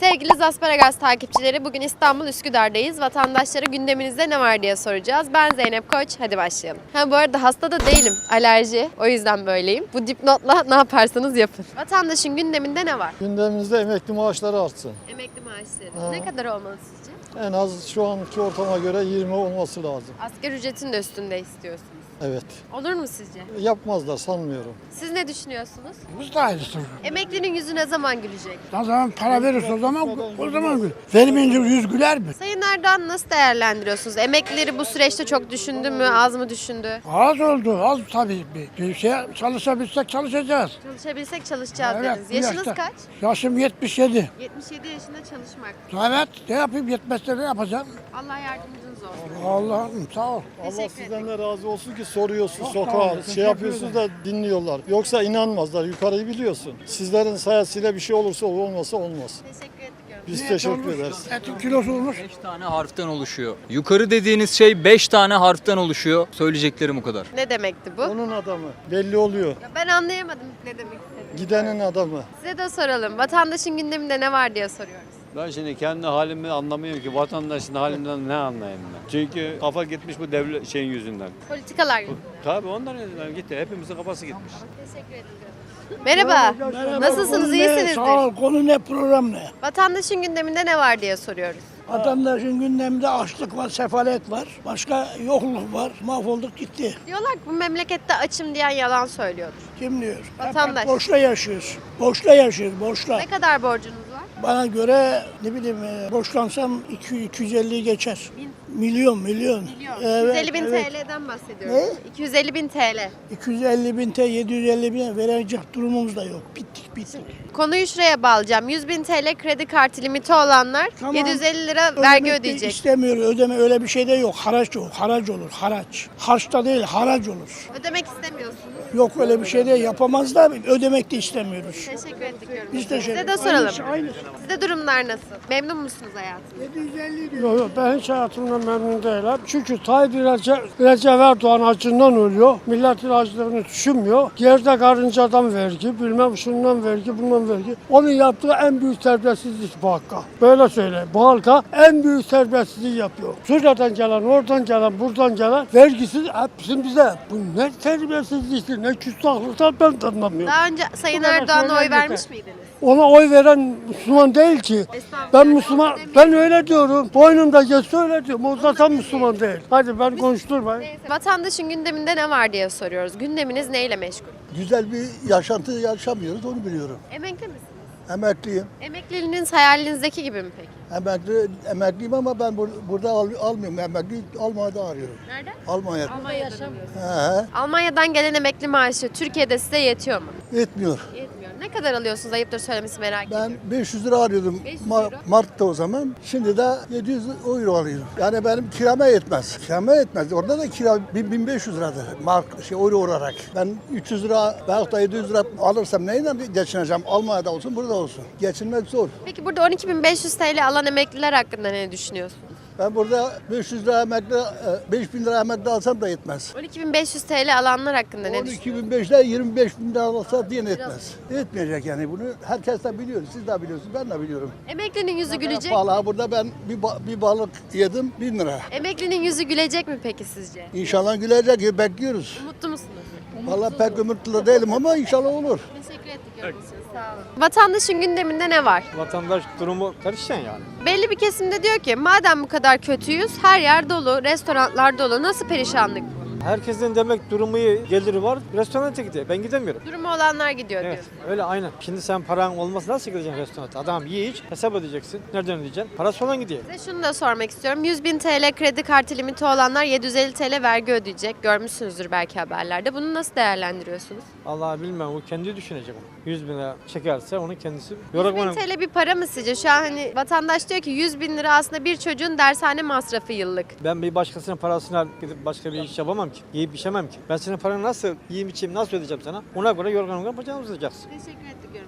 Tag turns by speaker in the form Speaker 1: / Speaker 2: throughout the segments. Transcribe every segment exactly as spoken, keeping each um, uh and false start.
Speaker 1: Sevgili Zasparagas takipçileri, bugün İstanbul Üsküdar'dayız. Vatandaşlara gündeminizde ne var diye soracağız. Ben Zeynep Koç, hadi başlayalım. Ha bu arada hasta da değilim, alerji. O yüzden böyleyim. Bu dipnotla ne yaparsanız yapın. Vatandaşın gündeminde ne var?
Speaker 2: Gündemimizde emekli maaşları artsın.
Speaker 1: Emekli maaşları.
Speaker 2: Ha.
Speaker 1: Ne kadar olmalı sizce?
Speaker 2: En az şu anki ortama göre yirmi olması lazım.
Speaker 1: Asgari ücretin de üstünde istiyorsunuz.
Speaker 2: Evet.
Speaker 1: Olur mu sizce?
Speaker 2: Yapmazlar sanmıyorum.
Speaker 1: Siz ne düşünüyorsunuz?
Speaker 3: Biz de aynısı.
Speaker 1: Emeklinin yüzü ne zaman gülecek?
Speaker 3: O zaman para verirse o zaman o zaman gül. Vermeyince yüz güler mi?
Speaker 1: Sayın Erdoğan nasıl değerlendiriyorsunuz? Emeklileri bu süreçte çok düşündü mü, az mı düşündü?
Speaker 3: Az oldu, az tabii. Bir, bir şey çalışabilsek çalışacağız.
Speaker 1: Çalışabilsek çalışacağız
Speaker 3: Evet,
Speaker 1: dediniz.
Speaker 3: bu
Speaker 1: Yaşınız
Speaker 3: yaşta.
Speaker 1: kaç?
Speaker 3: Yaşım yetmiş yedi.
Speaker 1: yetmiş yedi yaşında çalışmak.
Speaker 3: Evet, ne yapayım yetmezse ne yapacağım?
Speaker 1: Allah yardımcınız olsun.
Speaker 3: Allah'ım sağ ol.
Speaker 2: Allah
Speaker 1: Teşekkür
Speaker 2: sizden
Speaker 1: ederim.
Speaker 2: de razı olsun ki soruyorsun
Speaker 3: Çok sağ olun,
Speaker 2: sokağa,
Speaker 3: teşekkür
Speaker 2: şey yapıyorsunuz da dinliyorlar. Yoksa inanmazlar, yukarıyı biliyorsun. Sizlerin sayesinde bir şey olursa olmasa olmaz.
Speaker 1: Teşekkür ediyorum.
Speaker 2: Biz
Speaker 3: Niyet
Speaker 2: teşekkür
Speaker 3: olmuş,
Speaker 2: ederiz.
Speaker 3: Etin kilosu olmuş.
Speaker 4: beş tane harften oluşuyor. Yukarı dediğiniz şey beş tane harften oluşuyor. Söyleyeceklerim bu kadar.
Speaker 1: Ne demekti bu?
Speaker 2: Onun adamı belli oluyor.
Speaker 1: Ya ben anlayamadım ne demek istediğini.
Speaker 2: Gidenin adamı.
Speaker 1: Size de soralım. Vatandaşın gündeminde ne var diye soruyoruz.
Speaker 5: Ben şimdi kendi halimi anlamıyorum ki vatandaşın halinden ne anlayayım ben. Çünkü kafa gitmiş bu devlet şeyin yüzünden.
Speaker 1: Politikalar yüzünden.
Speaker 5: Tabii ondan yüzünden gitti. Hepimizin kafası gitmiş.
Speaker 1: Teşekkür ederim. Merhaba. Nasılsınız?
Speaker 3: Konu ne?
Speaker 1: İyisinizdir.
Speaker 3: Sağ ol. Konu ne, program ne?
Speaker 1: Vatandaşın gündeminde ne var diye soruyoruz.
Speaker 3: Vatandaşın gündeminde açlık var, sefalet var. Başka yokluk var. Mahvolduk gitti.
Speaker 1: Diyorlar ki bu memlekette açım diyen yalan söylüyordur.
Speaker 3: Kim diyor? Hep-
Speaker 1: Vatandaş.
Speaker 3: hep boşla yaşıyoruz. Boşla yaşıyoruz, boşla.
Speaker 1: Ne kadar borcunuz var?
Speaker 3: Bana göre ne bileyim e, borçlansam iki yüz iki yüz elliyi geçer. Milyon milyon.
Speaker 1: Milyon.
Speaker 3: Evet,
Speaker 1: iki yüz elli bin
Speaker 3: evet.
Speaker 1: T L'den bahsediyorum.
Speaker 3: Ne?
Speaker 1: iki yüz elli bin T L.
Speaker 3: iki yüz elli bin T, yedi yüz elli bin verecek durumumuz da yok. Bittik bittik.
Speaker 1: Konuyu şuraya bağlayacağım. yüz bin T L kredi kartı limiti olanlar
Speaker 3: Tamam.
Speaker 1: yedi yüz elli lira vergi
Speaker 3: Ödemek de
Speaker 1: ödeyecek.
Speaker 3: İstemiyor, ödeme öyle bir şey de yok. Haraç yok, haraç olur, haraç. Harçta değil, haraç olur.
Speaker 1: Ödemek istemiyorsunuz.
Speaker 3: Yok öyle bir şey de yapamaz da ödemek de istemiyoruz.
Speaker 1: Teşekkür ediyorum.
Speaker 3: Biz teşekkür
Speaker 1: Size de soralım.
Speaker 3: Aynısı, aynısı.
Speaker 1: Sizde durumlar nasıl? Memnun musunuz hayatınızdan?
Speaker 3: yedi yüz elli diyor.
Speaker 6: Yok yok ben hiç hayatımdan memnun değilim. Çünkü Tayyip Recep, Recep Erdoğan acından ölüyor. Milletin acılığını düşünmüyor. Geride karıncadan vergi, bilmem şundan vergi, bundan vergi. Onun yaptığı en büyük terbiyesizlik bu halka. Böyle söyleyeyim. Bu halka en büyük terbiyesizliği yapıyor. Suriye'den gelen, oradan gelen, buradan gelen vergisiz hepsi bize. Bu ne terbiyesizliktir, ne küstahlıktan ben de anlamıyorum.
Speaker 1: Daha önce Sayın
Speaker 6: Bu kadar
Speaker 1: Erdoğan'a oy
Speaker 6: söyleyen
Speaker 1: vermiş
Speaker 6: yeter.
Speaker 1: miydiniz?
Speaker 6: Ona oy veren Müslüman değil ki.
Speaker 1: Estağfurullah.
Speaker 6: Ben Müslüman, ben öyle diyorum. Boynumda geçse öyle diyorum. O zaten Müslüman değil. Hadi ben konuşturmayın.
Speaker 1: Neyse, vatandaşın gündeminde ne var diye soruyoruz. Gündeminiz neyle meşgul?
Speaker 7: Güzel bir yaşantı yaşamıyoruz, onu biliyorum.
Speaker 1: Emekli misiniz?
Speaker 7: Emekliyim.
Speaker 1: Emekliliğiniz hayalinizdeki gibi mi peki?
Speaker 7: Emekli, emekliyim ama ben bur- burada al- almıyorum. Emekli Almanya'da arıyorum.
Speaker 1: Nerede?
Speaker 7: Almanya'da.
Speaker 1: Almanya'da.
Speaker 7: He,
Speaker 1: Almanya'dan gelen emekli maaşı Türkiye'de size yetiyor mu?
Speaker 7: etmiyor.
Speaker 1: Yetmiyor. Ne kadar alıyorsunuz? Ayıptır söylemesi, merak ediyorum.
Speaker 7: Ben beş yüz lira arıyordum
Speaker 1: beş yüz
Speaker 7: Ma-
Speaker 1: euro.
Speaker 7: Mart'ta o zaman. Şimdi de yedi yüz euro alıyorum. Yani benim kirama yetmez. Kirama yetmez. Orada da kira bin- 1500 liradır. Mark, şey, euro olarak. Ben üç yüz lira veyahut da yedi yüz lira alırsam neyle geçineceğim? Almanya'da olsun, burada olsun. Geçinmek zor.
Speaker 1: Peki burada on iki bin beş yüz T L alan emekliler hakkında ne düşünüyorsunuz?
Speaker 7: Ben burada beş yüz lira emekli, e, beş bin lira emekli alsam da yetmez.
Speaker 1: on iki bin beş yüz T L alanlar hakkında ne
Speaker 7: on iki
Speaker 1: düşünüyorsunuz?
Speaker 7: bin beşte yirmi beş bin lira alsa diye etmez. Etmeyecek yani bunu. Herkes de biliyor. Siz de biliyorsunuz. Ben de biliyorum.
Speaker 1: Emeklinin yüzü gülecek.
Speaker 7: Pahalı. Burada ben bir, ba- bir balık yedim bin lira.
Speaker 1: Emeklinin yüzü gülecek mi peki sizce?
Speaker 7: İnşallah gülecek. Bekliyoruz.
Speaker 1: Umutlu musunuz?
Speaker 7: Vallahi pek ümitli değilim ama inşallah olur.
Speaker 1: Teşekkür ettik yorumunuz için. Sağ olun. Vatandaşın gündeminde ne var?
Speaker 5: Vatandaş durumu karışan yani.
Speaker 1: Belli bir kesimde diyor ki madem bu kadar kötüyüz, her yer dolu, restoranlar dolu, nasıl perişanlık bu?
Speaker 8: Herkesin demek durumu iyi, geliri var. Restorana gidiyor. Ben gidemiyorum.
Speaker 1: Durumu olanlar gidiyor
Speaker 8: Evet,
Speaker 1: diyor.
Speaker 8: öyle aynen. Şimdi sen paran olmasa nasıl gideceksin restorana? Adam ye iç, hesap ödeyeceksin. Nereden ödeyeceksin? Parası olan gidiyor.
Speaker 1: Size şunu da sormak istiyorum. yüz bin T L kredi kartı limiti olanlar yedi yüz elli T L vergi ödeyecek. Görmüşsünüzdür belki haberlerde. Bunu nasıl değerlendiriyorsunuz?
Speaker 8: Allah bilmem, o kendi düşünecek onu. yüz bin lira çekerse onu kendisi...
Speaker 1: yüz bin
Speaker 8: Yorulmanın-
Speaker 1: T L bir para mı sizce? Şu an hani vatandaş diyor ki yüz bin lira aslında bir çocuğun dershane masrafı yıllık.
Speaker 8: Ben bir başkasının parasını alıp gidip başka bir iş yapamam ki. Yiyip içemem ki. Ben senin paranı nasıl yiyeyim içeyim, nasıl ödeyeceğim sana? Ona göre yorgan yorgan bacağını uzatacaksın.
Speaker 1: Teşekkür ettik yorumunuz için.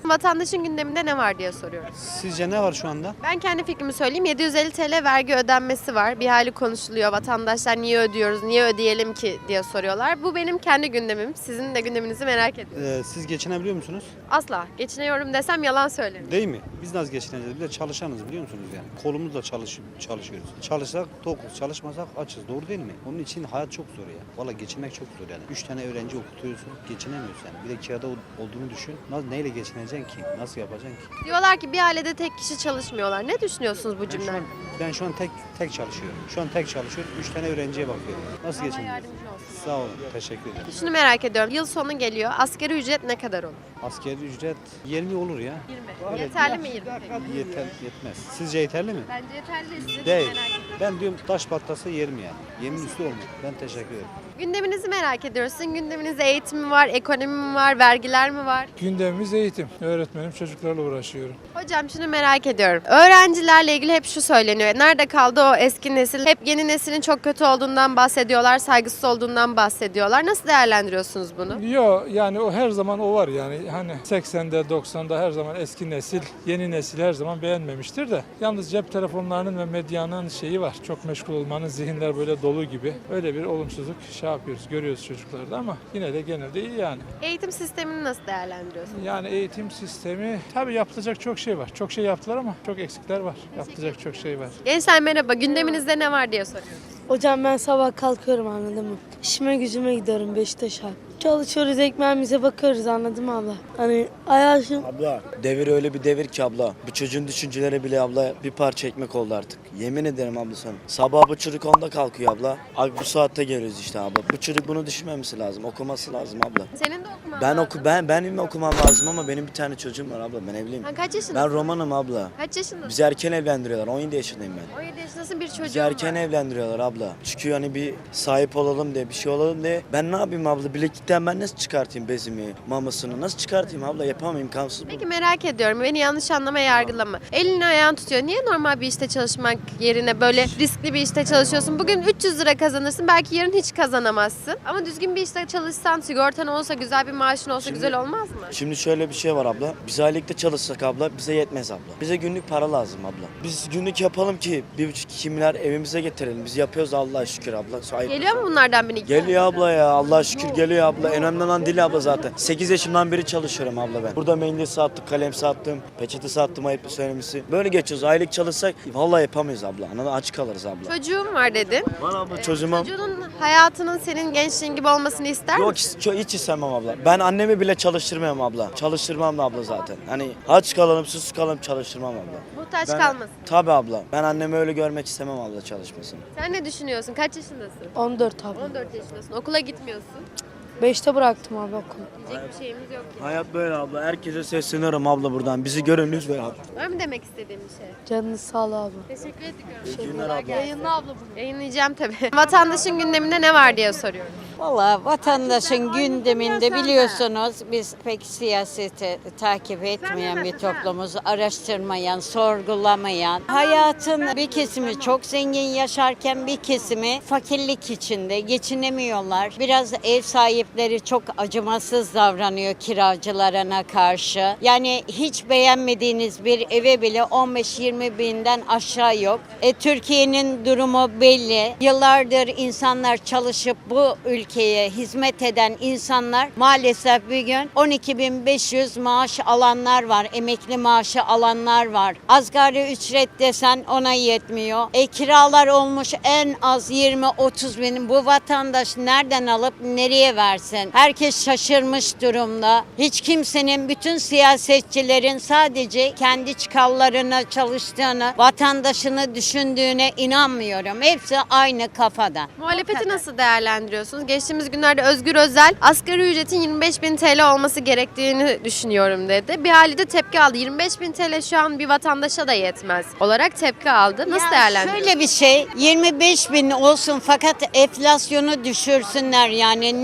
Speaker 1: Vatandaşın gündeminde ne var diye soruyorum.
Speaker 9: Sizce ne var şu anda?
Speaker 1: Ben kendi fikrimi söyleyeyim. yedi yüz elli T L vergi ödenmesi var. Bir hali konuşuluyor. Vatandaşlar niye ödüyoruz, niye ödeyelim ki diye soruyorlar. Bu benim kendi gündemim. Sizin de gündeminizi merak ediyorum.
Speaker 9: Ee, siz geçinebiliyor musunuz?
Speaker 1: Asla. Geçiniyorum desem yalan söylerim.
Speaker 9: Değil mi? Biz nasıl geçineceğiz? Bir de çalışanız biliyor musunuz yani? Kolumuzla çalış, çalışıyoruz. Çalışsak tokuz, çalışmasak açız. Doğru değil mi? Onun için hayat çok zor ya. Valla geçinmek çok zor yani. Üç tane öğrenci okutuyorsun, geçinemiyorsun yani. Bir de kirada olduğunu düşün. Nasıl, neyle geçineceksin ki? Nasıl yapacaksın ki?
Speaker 1: Diyorlar ki bir ailede tek kişi çalışmıyorlar. Ne düşünüyorsunuz bu
Speaker 9: Ben şu
Speaker 1: cümleden?
Speaker 9: an, ben şu an tek tek çalışıyorum. Şu an tek çalışıyorum. Üç tane öğrenciye bakıyorum. Nasıl geçineceğiz?
Speaker 1: yardımcı olsun.
Speaker 9: Sağ olun. Teşekkür ederim.
Speaker 1: Şunu merak ediyorum. Yıl sonu geliyor. Asgari ücret ne kadar olur?
Speaker 9: Asgari ücret yirmi olur ya.
Speaker 1: yirmi. Yeterli mi yirmi?
Speaker 9: Yeter, yetmez. Sizce yeterli mi?
Speaker 1: Bence yeterli de size
Speaker 9: Değil.
Speaker 1: merak ediyorum.
Speaker 9: Ben diyorum taş patlasa yerim yani. Yemin üstü olmuyor. Ben teşekkür ederim.
Speaker 1: Gündeminizi merak ediyoruz. Sizin gündeminizde eğitim mi var, ekonomi mi var, vergiler mi var?
Speaker 6: Gündemimiz eğitim. Öğretmenim, çocuklarla uğraşıyorum.
Speaker 1: Hocam şunu merak ediyorum. Öğrencilerle ilgili hep şu söyleniyor. Nerede kaldı o eski nesil? Hep yeni neslin çok kötü olduğundan bahsediyorlar, saygısız olduğundan bahsediyorlar. Nasıl değerlendiriyorsunuz bunu?
Speaker 6: Yok yani o her zaman o var yani. Hani seksende doksanda her zaman eski nesil, yeni nesil her zaman beğenmemiştir de. Yalnız cep telefonlarının ve medyanın şeyi var. Çok meşgul olmanın, zihinler böyle dolu gibi. Öyle bir olumsuzluk şey yapıyoruz, görüyoruz çocuklarda ama yine de genelde iyi yani.
Speaker 1: Eğitim sistemini nasıl değerlendiriyorsunuz?
Speaker 6: Yani eğitim sistemi tabii yapılacak çok şey var. Çok şey yaptılar ama çok eksikler var. Yapılacak çok şey var.
Speaker 1: Gençler merhaba. Gündeminizde ne var diye soruyoruz.
Speaker 10: Hocam ben sabah kalkıyorum anladın mı? İşime gücüme gidiyorum Beşiktaş'a. Çalışıyoruz, ekmeğimize bakıyoruz anladın mı abla? Hani hayatım...
Speaker 11: Abla devir öyle bir devir ki abla. Bu çocuğun düşünceleri bile abla bir parça ekmek oldu artık. Yemin ederim abla sana. Sabah bu çocuk onda kalkıyor abla. Abi bu saatte geliyoruz işte abla. Bu çocuk bunu düşünmemesi lazım. Okuması lazım abla.
Speaker 1: Senin de okuman
Speaker 11: Ben
Speaker 1: lazım.
Speaker 11: oku ben benim okumam lazım ama benim bir tane çocuğum var abla. Ben evliyim.
Speaker 1: Ha, kaç yaşındasın?
Speaker 11: Ben romanım abla.
Speaker 1: Kaç yaşındasın?
Speaker 11: Bizi erken evlendiriyorlar. on yedi yaşındayım ben.
Speaker 1: on yedi yaşındasın, bir çocuğun
Speaker 11: Bizi erken
Speaker 1: var.
Speaker 11: evlendiriyorlar abla. Çünkü hani bir sahip olalım diye, bir şey olalım diye. Ben ne yapayım abla? Bileklikten ben nasıl çıkartayım bezimi, mamasını? Nasıl çıkartayım abla? Yapamam, imkansız bu.
Speaker 1: Peki merak ediyorum. Beni yanlış anlama, yargılama. Elini ayağını tutuyor. Niye normal bir işte çalışmak yerine böyle riskli bir işte çalışıyorsun? Bugün üç yüz lira kazanırsın. Belki yarın hiç kazanamazsın. Ama düzgün bir işte çalışsan, sigortan olsa, güzel bir maaşın olsa
Speaker 11: Şimdi-
Speaker 1: güzel olmaz mı?
Speaker 11: Şimdi şöyle bir şey var abla. Biz aylıkta çalışsak abla bize yetmez abla. Bize günlük para lazım abla. Biz günlük yapalım ki bir buçuk iki milyar evimize getirelim. Biz yapıyoruz Allah'a şükür abla. Sahip.
Speaker 1: Geliyor mu bunlardan biri?
Speaker 11: Geliyor abla ya. Allah'a şükür geliyor abla. En önemli olan dil abla zaten. sekiz yaşımdan beri çalışıyorum abla ben. Burada mendil sattık, kalem sattım, peçete sattım ayıp söylemesi. Böyle geçiyoruz. Aylık çalışsak vallahi yapamayız abla. Anladın, aç kalırız abla.
Speaker 1: Çocuğum var dedin.
Speaker 11: Var abla
Speaker 1: Ee,
Speaker 11: çocuğuma.
Speaker 1: Çocuğunun hayatının senin gençliğin gibi olmasını ister
Speaker 11: Yok
Speaker 1: misin?
Speaker 11: hiç, hiç istemem abla. Ben annemi bile çalıştırmam abla. Çalıştırmam da abla zaten. Hani aç kalalım, susuz kalalım çalıştırmam abla.
Speaker 1: Muhtaç
Speaker 11: Ben-
Speaker 1: kalmasın.
Speaker 11: Tabii abla. Ben annemi öyle görmek istemem abla çalışmasını.
Speaker 1: Sen ne düşünüyorsun? Kaç yaşındasın?
Speaker 10: on dört abi.
Speaker 1: on dört yaşındasın. Okula gitmiyorsun.
Speaker 10: beşte bıraktım abi okulu.
Speaker 1: Diyecek bir şeyimiz yok ki.
Speaker 11: Hayat böyle abla. Herkese sesleniyorum abla buradan. Bizi görün lütfen abla.
Speaker 1: Var mı demek istediğim bir şey?
Speaker 10: Canınız sağ ol abi.
Speaker 1: Teşekkür ediyorum.
Speaker 11: İyi günler abla.
Speaker 1: Yayınla abla bunu. Yayınlayacağım tabii. Vatandaşın gündeminde ne var diye soruyorum.
Speaker 12: Valla vatandaşın gündeminde biliyorsunuz biz pek siyaseti takip etmeyen bir toplumuz, araştırmayan, sorgulamayan. Hayatın bir kesimi çok zengin yaşarken bir kesimi fakirlik içinde geçinemiyorlar. Biraz ev sahipleri çok acımasız davranıyor kiracılarına karşı. Yani hiç beğenmediğiniz bir eve bile on beş yirmi binden aşağı yok. E, Türkiye'nin durumu belli. Yıllardır insanlar çalışıp bu ülkeye hizmet eden insanlar maalesef bir gün on iki bin beş yüz maaş alanlar var. Emekli maaşı alanlar var. Asgari ücret desen ona yetmiyor. E, kiralar olmuş en az yirmi otuz bin. Bu vatandaş nereden alıp nereye versin? Herkes şaşırmış durumda. Hiç kimsenin, bütün siyasetçilerin sadece kendi çıkarlarına çalıştığını, vatandaşını düşündüğüne inanmıyorum. Hepsi aynı kafada.
Speaker 1: Muhalefeti nasıl değerlendiriyorsunuz? Geçtiğimiz günlerde Özgür Özel asgari ücretin yirmi beş bin T L olması gerektiğini düşünüyorum dedi. Bir hali de tepki aldı. yirmi beş bin T L şu an bir vatandaşa da yetmez olarak tepki aldı. Nasıl
Speaker 12: Ya
Speaker 1: değerlendiriyorsunuz?
Speaker 12: Şöyle bir şey, yirmi beş bin olsun fakat enflasyonu düşürsünler yani. Ne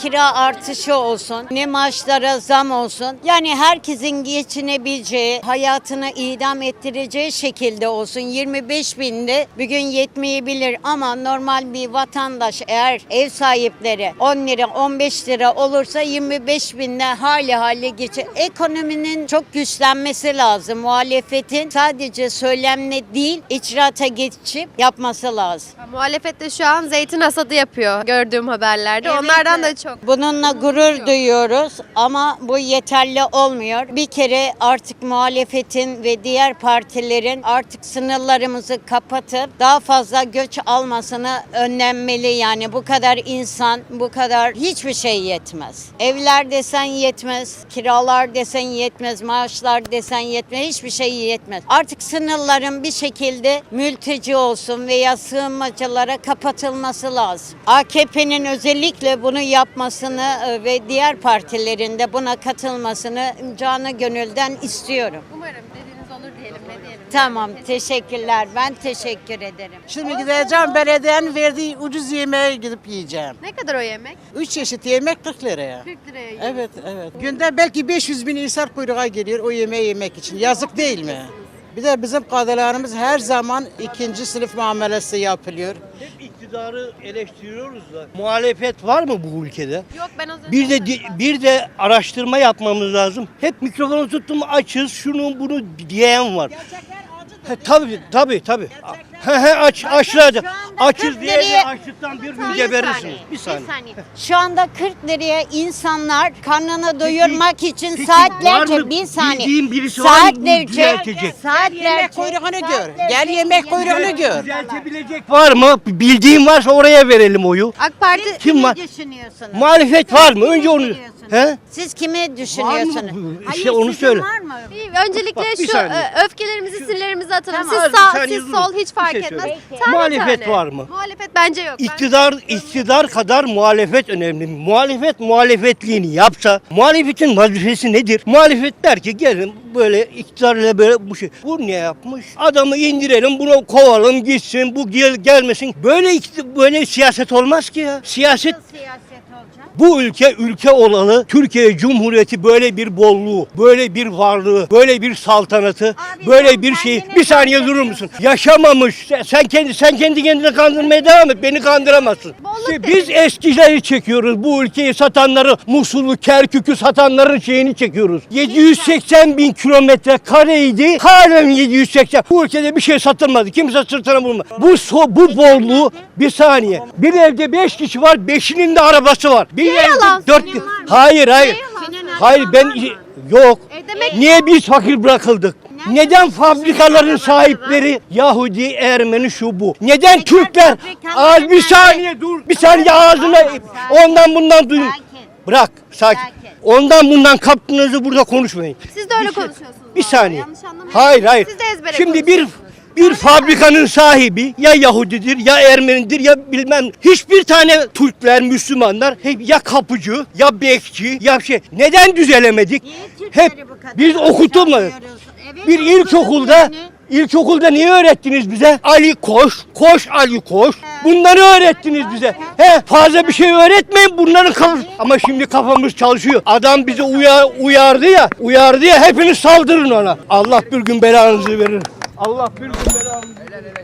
Speaker 12: kira artışı olsun, ne maaşlara zam olsun. Yani herkesin geçinebileceği, hayatını idam ettireceği şekilde olsun. yirmi beş binde bugün yetmeyebilir ama normal bir vatandaş eğer ev sahipleri on lira on beş lira olursa yirmi beş binde hali hali geçer. Ekonominin çok güçlenmesi lazım. Muhalefetin sadece söylemle değil icraata geçip yapması lazım.
Speaker 1: Muhalefet de şu an zeytin hasadı yapıyor gördüğüm haberlerde.
Speaker 12: Evet,
Speaker 1: Onlardan da
Speaker 12: evet.
Speaker 1: çok.
Speaker 12: Bununla gurur duyuyoruz ama bu yeterli olmuyor. Bir kere artık muhalefetin ve diğer partilerin artık sınırlarımızı kapatıp daha fazla göç almasını önlenmeli. Yani bu kadar insan, bu kadar hiçbir şey yetmez. Evler desen yetmez, kiralar desen yetmez, maaşlar desen yetmez, hiçbir şey yetmez. Artık sınırların bir şekilde mülteci olsun veya sığınmacılara kapatılması lazım. A K P'nin özellikle bunu yapmasını e, ve diğer partilerin de buna katılmasını canı gönülden istiyorum.
Speaker 1: Umarım dediğiniz olur diyelim, ne diyelim.
Speaker 12: Tamam, teşekkürler. Ben teşekkür ederim.
Speaker 13: Şimdi gideceğim belediyenin verdiği ucuz yemeğe gidip yiyeceğim.
Speaker 1: Ne kadar o yemek?
Speaker 13: Üç çeşit yemek kırk liraya.
Speaker 1: kırk liraya yiyor.
Speaker 13: Evet, evet. Günde belki beş yüz bin insan kuyruğa geliyor o yemeği yemek için. Yazık değil mi? Bir de bizim kadılarımız her zaman ikinci sınıf muamelesi yapılıyor.
Speaker 14: Hep iktidarı eleştiriyoruz da. Muhalefet var mı bu ülkede?
Speaker 1: Yok, ben az önce
Speaker 14: Bir de
Speaker 1: söyledim.
Speaker 14: bir de araştırma yapmamız lazım. Hep mikrofonu tuttum açız şunu bunu diyen var. He, tabii tabii tabii. He he aç açlardı. Açız diye de açlıktan bir gün geberirsiniz. Bir saniye.
Speaker 12: Şu anda kırk liraya insanlar karnını doyurmak için
Speaker 14: peki
Speaker 12: saatlerce
Speaker 14: var mı
Speaker 12: bir saniye.
Speaker 14: bildiğin birisi var mı bunu
Speaker 12: saatlerce
Speaker 14: düzeltecek?
Speaker 12: saatlerce
Speaker 13: Yemek kuyruğunu gör. Gel yemek kuyruğunu gör.
Speaker 14: Düzeltebilecek var mı? Bildiğin varsa oraya verelim oyu.
Speaker 1: AK Parti
Speaker 14: Kim var?
Speaker 12: düşünüyorsunuz?
Speaker 14: Muhalefet var mı? Önce onu. He?
Speaker 12: Siz kimi
Speaker 14: Var
Speaker 12: düşünüyorsunuz?
Speaker 14: mı?
Speaker 12: Hayır,
Speaker 14: İşte onu
Speaker 12: sizin
Speaker 14: söyle.
Speaker 12: var mı?
Speaker 1: Bir- öncelikle
Speaker 14: Bak, bir
Speaker 1: şu
Speaker 14: saniye.
Speaker 1: e, öfkelerimizi, sinirlerimizi atalım.
Speaker 14: Tamam,
Speaker 1: siz
Speaker 14: bir
Speaker 1: sağ,
Speaker 14: saniye
Speaker 1: siz
Speaker 14: durun.
Speaker 1: sol hiç
Speaker 14: Bir
Speaker 1: fark
Speaker 14: şey
Speaker 1: etmez.
Speaker 14: söyleyeyim.
Speaker 1: Tane
Speaker 14: Muhalefet
Speaker 1: tane.
Speaker 14: var mı?
Speaker 1: Muhalefet bence yok. Ben-
Speaker 14: İktidar iktidar kadar muhalefet önemli. Muhalefet muhalefetliğini yapsa muhalefetin vazifesi nedir? Muhalefet der ki gelin böyle iktidarla böyle bu şey. Bu ne yapmış? Adamı indirelim, bunu kovalım gitsin, bu gel gelmesin. Böyle ikti- böyle siyaset olmaz ki ya. Siyaset
Speaker 12: Siyaset olacak.
Speaker 14: bu ülke ülke olalı Türkiye Cumhuriyeti böyle bir bolluğu, böyle bir varlığı, böyle bir saltanatı,
Speaker 12: Abi
Speaker 14: böyle
Speaker 12: sen
Speaker 14: bir şeyi.
Speaker 12: kendine
Speaker 14: Bir saniye
Speaker 12: kandırdın.
Speaker 14: durur musun? Yaşamamış. Sen, sen kendi sen kendi kendine kandırmaya devam et. Beni kandıramazsın.
Speaker 1: Bolluk
Speaker 14: İşte
Speaker 1: dedin.
Speaker 14: biz eskileri çekiyoruz. Bu ülkeyi satanları, Musul'u, Kerkük'ü satanların şeyini çekiyoruz. yedi yüz seksen bin kilometre kareydi. Halen yedi yüz seksen. Bu ülkede bir şey satılmadı. Kimse sırtına vurmadı. Bu so, bu bolluğu bir saniye. Bir evde beş kişi var. Beşinin de arabası var. Bir evde
Speaker 1: yalan?
Speaker 14: dört.
Speaker 1: Senin var mı?
Speaker 14: Hayır hayır.
Speaker 12: Senin
Speaker 14: Hayır
Speaker 12: araban
Speaker 14: ben
Speaker 12: var mı?
Speaker 14: yok.
Speaker 1: E demek
Speaker 14: Niye biz fakir bırakıldık? Neden fabrikaların sahipleri Yahudi, Ermeni şu bu? Neden Türkler?
Speaker 12: fabrikaların
Speaker 14: Az bir saniye dur. Bir saniye ağzına ondan bundan duyun.
Speaker 12: Sakin.
Speaker 14: Bırak sakin.
Speaker 12: Sakin.
Speaker 14: Ondan bundan kaptığınızı burada konuşmayın.
Speaker 1: siz de öyle
Speaker 14: Bir şey-
Speaker 1: konuşuyorsunuz.
Speaker 14: Bir
Speaker 1: vallahi.
Speaker 14: saniye.
Speaker 1: Yanlış anlamayın.
Speaker 14: Hayır hayır.
Speaker 1: Siz de ezbere
Speaker 14: Şimdi bir
Speaker 1: konuşuyorsunuz.
Speaker 14: bir fabrikanın sahibi ya Yahudidir ya Ermenidir ya bilmem hiçbir tane Türkler, Müslümanlar hep ya kapıcı ya bekçi ya şey. Neden düzelemedik?
Speaker 12: Niye Türkleri
Speaker 14: Hep
Speaker 12: bu kadar
Speaker 14: biz okutulmadık.
Speaker 12: aşağılıyoruz? Evet,
Speaker 14: Bir ilkokulda
Speaker 12: yani.
Speaker 14: ilkokulda niye öğrettiniz bize? Ali koş, koş Ali koş. Bunları öğrettiniz bize. He, fazla bir şey öğretmeyin bunların kafası. Ama şimdi kafamız çalışıyor. Adam bizi uyar, uyardı ya, uyardı ya hepiniz saldırın ona. Allah bir gün belanızı verir. Allah bir gün belanızı verir.